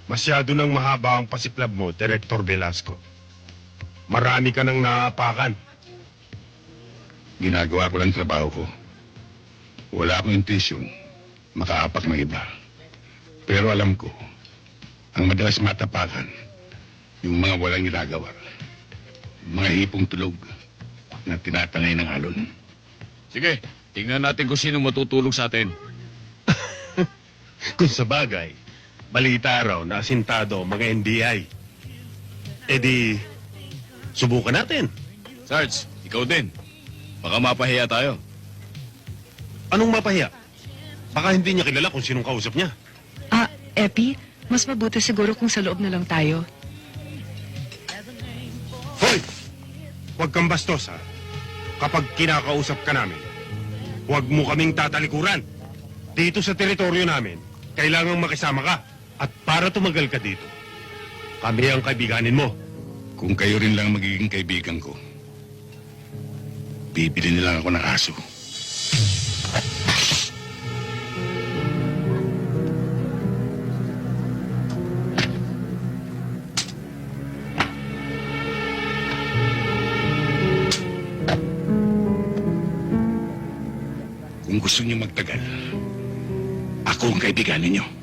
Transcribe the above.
Masyado nang mahaba ang pasiklab mo, Director Velasco. Marami ka nang naapakan. Ginagawa ko lang trabaho ko. Wala akong intensyon makaapak ng iba. Pero alam ko, ang madalas matapakan, yung mga walang ginagawa. Mga hipong tulog na tinatangay ng alon. Sige, tingnan natin kung sino matutulog sa atin. Kung sa bagay, balita raw na asintado ang mga NBI. E di, subukan natin. Sarge, ikaw din. Baka mapahiya tayo. Anong mapahiya? Baka hindi niya kilala kung sinong kausap niya. Epi, mas mabuti siguro kung sa loob na lang tayo. Hoy! Huwag kang bastos, ha? Kapag kinakausap ka namin, huwag mo kaming tatalikuran. Dito sa teritoryo namin, kailangang makisama ka. At para tumagal ka dito, kami ang kaibiganin mo. Kung kayo rin lang magiging kaibigan ko, bibili nilang ako ng aso. Kung gusto niyo magtagal, ako ang kaibiganin niyo.